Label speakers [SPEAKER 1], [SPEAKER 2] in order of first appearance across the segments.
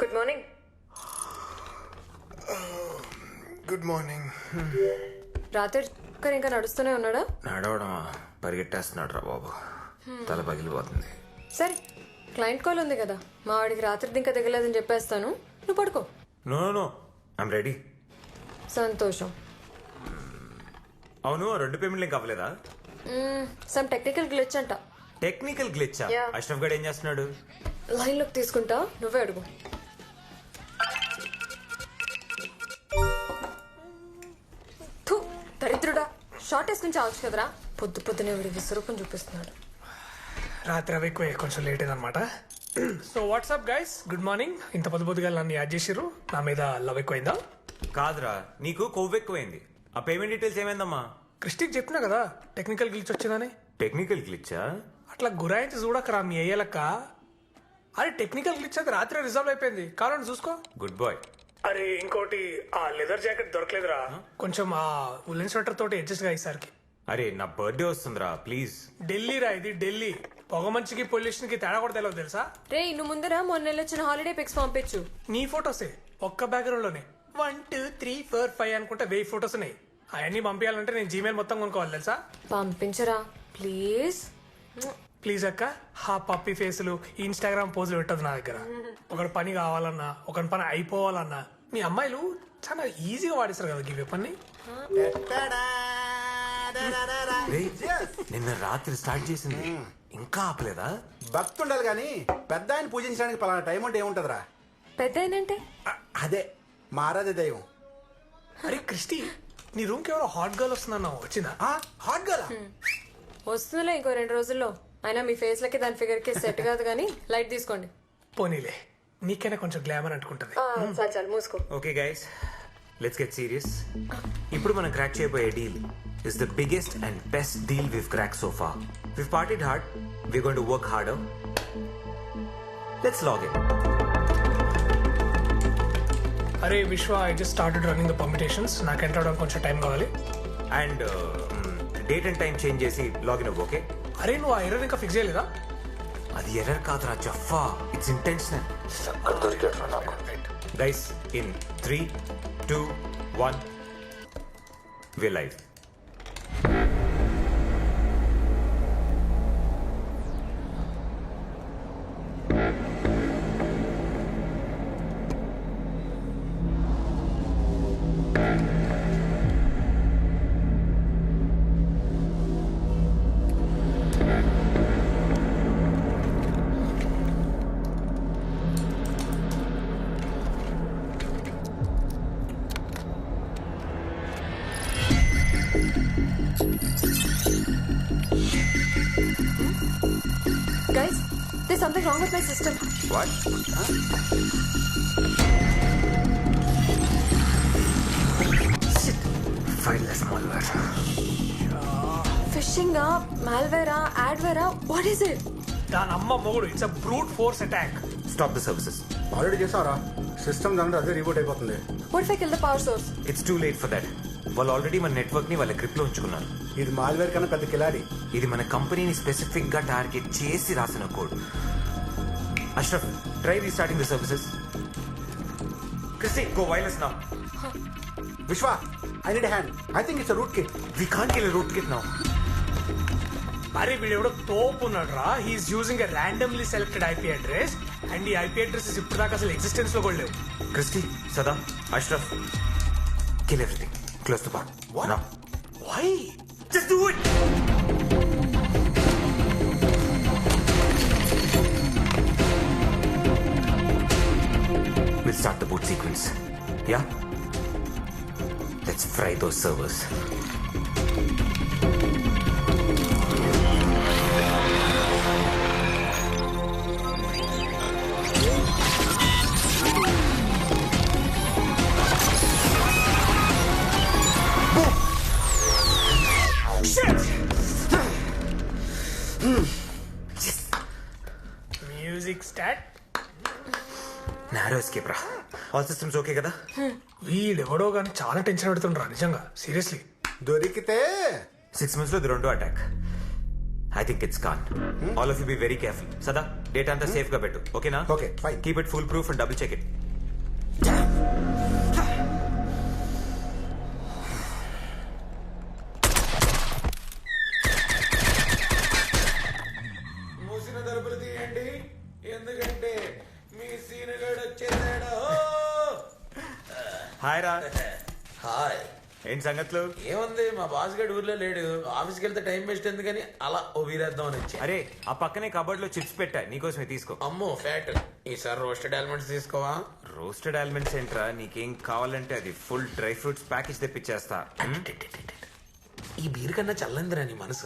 [SPEAKER 1] Good morning.
[SPEAKER 2] Good morning.
[SPEAKER 1] రాత్రి ఇంకా నడుస్తూనే ఉన్నాడా?
[SPEAKER 2] నడవడమా, పరిగెట్టేస్తున్నాడు రా బాబు. తల పగిలిపోతుంది.
[SPEAKER 1] సరే, క్లయింట్ కాల్ ఉంది కదా, మా వాడికి రాత్రి ఇంకా దిగలేదని చెప్పేస్తాను, నువ్వు పడుకో.
[SPEAKER 2] No no, I'm ready.
[SPEAKER 1] సంతోషం.
[SPEAKER 2] అవును, 2 పేమెంట్లు ఇంకా అవ్వలేదా?
[SPEAKER 1] సమ్ టెక్నికల్ గ్లిచ్ అంట.
[SPEAKER 2] టెక్నికల్ గ్లిచ్చా?
[SPEAKER 1] Yeah.
[SPEAKER 2] అష్రఫ్ గడ్ ఏం చేస్తున్నాడు?
[SPEAKER 1] లైన్లోకి తీసుకుంటా, నువ్వే అడుగు. థు, దరిద్రుడా, షార్ట్ వేసుకుని చావచ్చు కదరా. పొద్దునే వీడి విసురూపం చూపిస్తున్నాడు.
[SPEAKER 3] రాత్రి అవి ఎక్కువ, కొంచెం లేట్ అయిందనమాట. So WhatsApp guys, good morning. ఇంత పొద్దుగా నన్ను యాడ్ చేసిర్రు, నా మీద లవ్ ఎక్కువైందా?
[SPEAKER 2] కాదురా, నీకు కొవ్వు ఎక్కువైంది. ఆ పేమెంట్ డీటెయిల్స్ ఏమైందమ్మా?
[SPEAKER 3] క్రిస్టిక్ చెప్పినా కదా టెక్నికల్ గ్లిచ్ వచ్చిందని.
[SPEAKER 2] టెక్నికల్ గ్లిచ్చా?
[SPEAKER 3] అట్లా గురాయించి చూడకరా మీ అయ్యలక్క. అరే టెక్నికల్ గ్లిచ్ అది రాత్రి రిజర్వ్ అయిపోయింది, కావాలని చూసుకో.
[SPEAKER 2] Good bye.
[SPEAKER 3] అరే ఇంకోటి, ఆ లెదర్ జాకెట్ దొరకలేదురా, కొంచెం ఆ ఉలెన్ స్వెటర్ తోటి అడ్జస్ట్ గా ఈసారికి.
[SPEAKER 2] అరే నా బర్త్డే వస్తుందిరా, ప్లీజ్.
[SPEAKER 3] ఢిల్లీ రా ఇది, ఢిల్లీ. పొగ మంచికి పొల్యూషన్ కి తేడా కూడా తెలియదు తెలుసా?
[SPEAKER 1] రే, ఇನ್ನು ముందర మొన్న వచ్చిన హాలిడే పిక్స్ పంపించు.
[SPEAKER 3] నీ ఫొటోసే ఒక్క బ్యాక్గ్రౌండ్ లోనే 1 2 3 4 5 అనుకుంటే 1000 ఫొటోస్ ఉన్నాయి. అవన్నీ పంపించాలంటే నేను జీమెయిల్ మొత్తం కొనుక్కోవాలి తెలుసా?
[SPEAKER 1] పంపించరా ప్లీజ్.
[SPEAKER 3] ప్లీజ్ అక్క, హా పప్పి ఫేసులు ఇన్స్టాగ్రామ్ పోజులు పెట్టదు నా దగ్గర. ఒకటి పని కావాలన్నా, ఒకటి పని అయిపోవాలన్నా మీ అమ్మాయిలు చాలా ఈజీగా వాడిస్తారు కదా గివ్ పని.
[SPEAKER 2] రేయ్, నిన్న రాత్రి స్టార్ట్ చేసింది, ఇంకా ఆపలేదా?
[SPEAKER 4] భక్తుండాలి గాని పెద్ద ఆయన పూజించడానికి పలానా టైం అంటే ఏముంటదిరా?
[SPEAKER 1] పెద్ద ఏంటంటే
[SPEAKER 4] అదే మా ఆరాధ్య దైవం.
[SPEAKER 3] అరే క్రిస్టి, నీ రూమ్ కి ఎవరో హాట్ గర్ల్ వస్తుందన్నావు, వచ్చిందా?
[SPEAKER 4] హాట్ గర్ల్
[SPEAKER 1] వస్తుందిలే ఇంకో 2 రోజుల్లో. అయినా మీ ఫేస్ లకి దాని ఫిగర్ కి సెట్ కాదు కానీ లైట్ తీసుకోండి.
[SPEAKER 3] పోనీలే, నీకైనా కొంచెం గ్లామర్ అంటుకుంటది.
[SPEAKER 1] చాలు మూసుకో.
[SPEAKER 2] Okay guys, let's get serious. ఇప్పుడు మనం క్రాక్ చేయబోయే deal is the biggest and best deal we've cracked so far. We've partied hard, we're going to work harder. Let's log in.
[SPEAKER 3] అరే Vishwa, I just started running the permutations. నాకు enter అవడానికి కొంచెం time కావాలి.
[SPEAKER 2] And date and time change చేసి login అవ్వు, okay?
[SPEAKER 3] అరే నువ్వు ఆ ఎర్రర్ ఇంకా ఫిక్స్ చేయలేదా?
[SPEAKER 2] అది ఎర్రర్ కాదురా జఫా, it's intentional. Guys, in 3 2 1 we're live.
[SPEAKER 1] Guys, there's something wrong with my system.
[SPEAKER 2] What? Shit. Fileless malware.
[SPEAKER 1] Phishing, malware, adware, what is it?
[SPEAKER 3] దాని అమ్మ మొగుడు, it's a brute force attack.
[SPEAKER 2] Stop the services.
[SPEAKER 4] Already చేసావరా? System దాంట్లో అదే reboot అయిపోతుంది.
[SPEAKER 1] What if I kill the power source?
[SPEAKER 2] It's too late for that. వాళ్ళు already మన network ని వాళ్ళ గ్రిప్ లో ఉంచుకున్నారు.
[SPEAKER 4] ఇది మాల్వేర్ కన్నా పెద్ద కిలాడి.
[SPEAKER 2] ఇది మన కంపెనీని స్పెసిఫిక్ గా టార్గెట్ చేసి రాసిన code. Ashraf, try restarting the services. Christy, go wireless now.
[SPEAKER 4] Vishwa, I need hand. I think it's rootkit.
[SPEAKER 2] We can't kill rootkit now.
[SPEAKER 3] అరే వీడు ఎవడో తోపు ఉన్నాడు రా. He's using a randomly selected IP address and ఈ IP addresses ఇప్పుడు దాకా అసలు ఎగ్జిస్టెన్స్ లో కూడా లేవు.
[SPEAKER 2] Christy, Sada, Ashraf, kill everything. Close the bar. Now.
[SPEAKER 3] Why?
[SPEAKER 2] Just do it! We'll start the boot sequence. Yeah? Let's fry those servers.
[SPEAKER 3] Music start.
[SPEAKER 2] Narrow escape రా. All systems okay కదా?
[SPEAKER 3] వీడెవడో కానీ చాలా టెన్షన్ పెడుతుండ్రా నిజంగా, సీరియస్లీ.
[SPEAKER 4] దొరికితే
[SPEAKER 2] 6 months లో ఇది 2వ attack. I think it's con. All of you be very careful. Sada data అంతా సేఫ్ గా పెట్టు, ఓకేనా?
[SPEAKER 4] Okay, fine.
[SPEAKER 2] Keep it full proof and double check it.
[SPEAKER 5] మూసిన తలుపులు తీయండి, ఎందుకంటే మీ సీనుగాడు వచ్చేసాడు.
[SPEAKER 2] హాయ్ రా.
[SPEAKER 5] హాయ్.
[SPEAKER 2] ఏంటి సంగతులు?
[SPEAKER 5] ఏముంది, మా బాస్ గడు ఊర్లో లేడు. ఆఫీస్కి వెళ్తే టైం వేస్ట్ ఎందుకని అలా ఓ వీరేద్దాం అని వచ్చి.
[SPEAKER 2] అరే ఆ పక్కనే కబోర్డ్ లో చిప్స్ పెట్టా, నీకోసమే తీసుకో.
[SPEAKER 5] అమ్మో ఫ్యాట్. ఈసారి రోస్టెడ్ ఆల్మండ్స్ తీసుకోవా?
[SPEAKER 2] రోస్టెడ్ ఆల్మండ్స్ ఏంట్రా, నీకేం కావాలంటే అది ఫుల్ డ్రై ఫ్రూట్స్ ప్యాకేజ్ తెప్పించేస్తా.
[SPEAKER 5] ఈ బీర్ కన్నా చల్లందిరా నీ మనసు.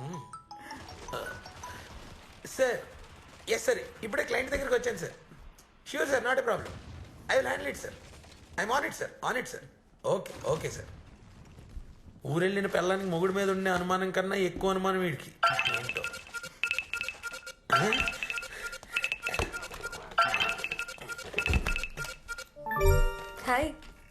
[SPEAKER 5] సార్, ఎస్ సార్, ఇప్పుడే క్లయింట్ దగ్గరికి వచ్చాను sir. Sure sir, not a problem. I will handle it sir. I'm on it sir, on it sir. Okay okay sir. ఊరెళ్ళిన పిల్లానికి మొగుడు మీద ఉండే అనుమానం కన్నా ఎక్కువ అనుమానం వీడికి. ఏంటో.
[SPEAKER 1] హాయ్.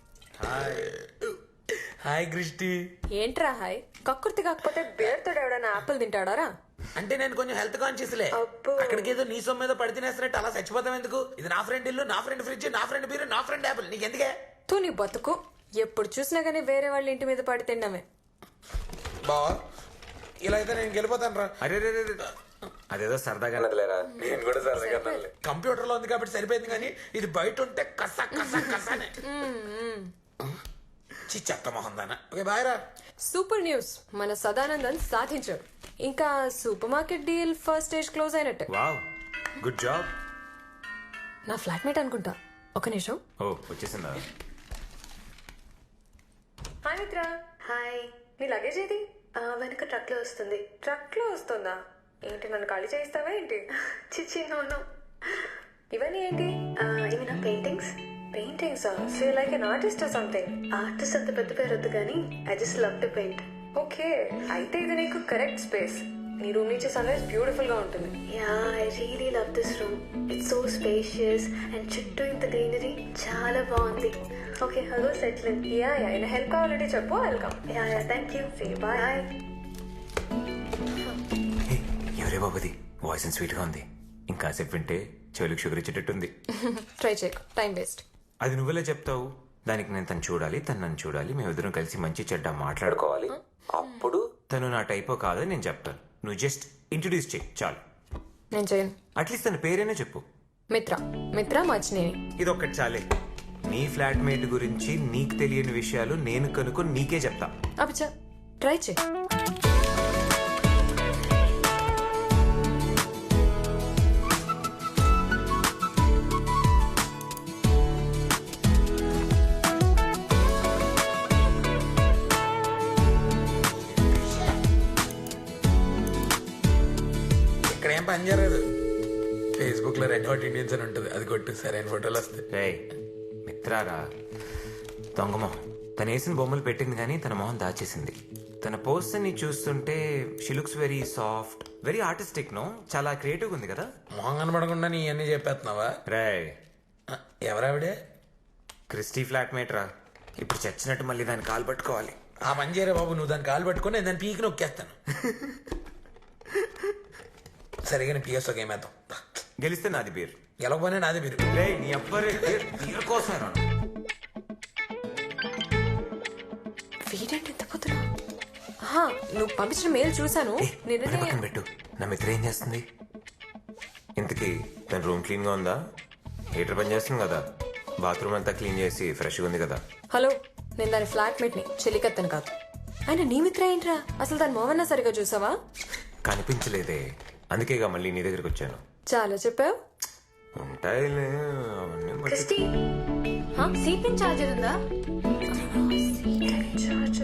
[SPEAKER 5] Hi Christy.
[SPEAKER 1] ఏంట్రా హాయ్? కక్కుర్తి కాకపోతే బేర్తో ఎవడైనా ఆపిల్ తింటాడారా?
[SPEAKER 5] అంటే నేను కొంచెం హెల్త్ కాన్షియస్లే.
[SPEAKER 1] అబ్బో.
[SPEAKER 5] అక్కడికి ఏదో నీ సొమ్ము మీద పడి తినేస్తున్నట్టు అలా చచ్చిపోతాం ఎందుకు? ఇది నా ఫ్రెండ్ ఇల్లు, నా ఫ్రెండ్ ఫ్రిడ్జ్, నా ఫ్రెండ్ బీరు, నా ఫ్రెండ్ యాపిల్. నీకు ఎందుకే?
[SPEAKER 1] తూ నీ బతుకు. ఎప్పుడు చూసినా గానీ వేరే వాళ్ళ ఇంటి మీద పడి తిండమే.
[SPEAKER 5] బావా, ఇలా అయితే నేను గెలిపోతాను రా.
[SPEAKER 2] అరే రే రే రే. అదేదో సరదాగా నదిలేరా.
[SPEAKER 5] నేను కూడా సరదాగా కంప్యూటర్ లో ఉంది కాబట్టి సరిపోయింది, కానీ ఇది బయట ఉంటే కస కస కసనే. చి చెత్త మొహం దానా. ఓకే బాయ్ రా.
[SPEAKER 1] సూపర్ న్యూస్, మన సదానందన్ సాధించాడు. ఇంకా supermarket deal first stage close అయినట్టే.
[SPEAKER 2] Wow, good job.
[SPEAKER 1] నా ఫ్లాట్మేట్ అనుకుంటా. ఒక నిమిషం.
[SPEAKER 2] ఓ వచ్చేసిందా?
[SPEAKER 1] హాయ్ మిత్ర.
[SPEAKER 6] హాయ్.
[SPEAKER 1] నీ లగేజ్ ఏది?
[SPEAKER 6] వెనక ట్రక్ లో వస్తుంది.
[SPEAKER 1] ట్రక్ లో వస్తుందా? ఏంటి, నన్ను ఖాళీ చేయిస్తావా ఏంటి?
[SPEAKER 6] చిచ్చి నోను.
[SPEAKER 1] ఇవన్నీ ఏంటి?
[SPEAKER 6] ఇవి నా paintings.
[SPEAKER 1] Paintings. So like an artist or something.
[SPEAKER 6] Artist అంత పెద్ద పేరు వద్దు కానీ I just love to paint.
[SPEAKER 1] Okay, అయితే ఇది నీకు కరెక్ట్ స్పేస్. నీ రూమ్ నుంచి సన్ రైజ్ బ్యూటిఫుల్ గా ఉంటుంది.
[SPEAKER 6] Yeah, I really love this room. It's so spacious and చుట్టూ ఇంత గ్రీనరీ చాలా బాగుంది. Okay, hello settle.
[SPEAKER 1] Yeah yeah, ఏమైనా హెల్ప్ కావాలంటే చెప్పు, welcome.
[SPEAKER 6] Yeah yeah, thank you.
[SPEAKER 1] Bye.
[SPEAKER 6] Bye.
[SPEAKER 2] Hey, ఎవరే బాబుది? వాయిస్ స్వీట్ గా ఉంది. ఇంకాసేపు వింటే చెవులకు షుగర్ ఇచ్చేటట్టుంది.
[SPEAKER 1] ట్రై చేయకు, టైం వేస్ట్.
[SPEAKER 2] అది నువ్వెలా చెప్తావు? దానికి నేను తను చూడాలి, తను నన్ను చూడాలి, మేమిద్దరం కలిసి మంచి చెడ్డ మాట్లాడుకోవాలి. అప్పుడు తను నా టైపో కాదని నేను చెప్తాను. నువ్వు జస్ట్ ఇంట్రడ్యూస్ చేయి చాలు.
[SPEAKER 1] నేను చేయను.
[SPEAKER 2] అట్లీస్ట్ తన పేరేనే చెప్పు.
[SPEAKER 1] మిత్ర. మిత్ర మచ్చినేని.
[SPEAKER 2] ఇదొక్కటి చాలే. నీ ఫ్లాట్మేట్ గురించి నీకు తెలియని విషయాలు నేను కనుక్కొని నీకే చెప్తా.
[SPEAKER 1] అబ్బా, ట్రై చేయి.
[SPEAKER 5] ఇక్కడ ఏం పని జరగదు. ఫేస్బుక్ లో రెడ్ హాట్ ఇండియన్స్ అని ఉంటుంది, అది కొట్టు, సరైన ఫోటోలు వస్తాయి.
[SPEAKER 2] రేయ్ మిత్రారా, దొంగమొహం. తను వేసిన బొమ్మలు పెట్టింది కానీ తన మొహం దాచేసింది. తన పోస్ట్ ని చూస్తుంటే she looks very soft, very artistic. No, చాలా క్రియేటివ్ ఉంది కదా.
[SPEAKER 5] మొహం కనబడకుండా నీ అన్ని చెప్పేస్తున్నావా?
[SPEAKER 2] రేయ్,
[SPEAKER 5] ఎవరావిడే?
[SPEAKER 2] క్రిస్టీ ఫ్లాట్మేట్ రా. ఇప్పుడు చచ్చినట్టు మళ్ళీ దాన్ని కాలు పట్టుకోవాలి.
[SPEAKER 5] ఆ పని చేయరా బాబు, నువ్వు దాన్ని కాలు పట్టుకొని నేను దాన్ని పీకి నొక్కేస్తాను. సరిగా పిఎస్ ఒక ఏమేద్దాం.
[SPEAKER 2] గెలిస్తే నాది బీర్,
[SPEAKER 5] గెలవకపోయినా నాది మీరు.
[SPEAKER 2] రేయ్ నీ అబ్బరే బీర్ కోసం రా.
[SPEAKER 1] వీడేంటి ఇంత పొద్దున? నువ్వు పంపించిన మెయిల్ చూసాను.
[SPEAKER 2] పక్కన
[SPEAKER 1] నిన్ననే
[SPEAKER 2] పెట్టు. నా మిత్ర ఏం చేస్తుంది ఇంతకీ? తన రూమ్ క్లీన్ గా ఉందా? హీటర్ పని చేస్తుంది కదా? బాత్రూమ్ అంతా క్లీన్ చేసి ఫ్రెష్గా ఉంది కదా?
[SPEAKER 1] హలో, నేను దాని ఫ్లాట్మేట్ ని, చెలికత్తను కాదు. ఆయన నీ మిత్ర ఏంట్రా? అసలు దాని మొహన్నా సరిగా చూసావా?
[SPEAKER 2] కనిపించలేదే, అందుకేగా మళ్ళీ నీ దగ్గరికి వచ్చాను.
[SPEAKER 1] చాలా చెప్పావు.
[SPEAKER 2] ఉంటాయిలే అవన్నీ
[SPEAKER 6] క్రిస్టీ, సీపింగ్ చార్జర్ ఉందా?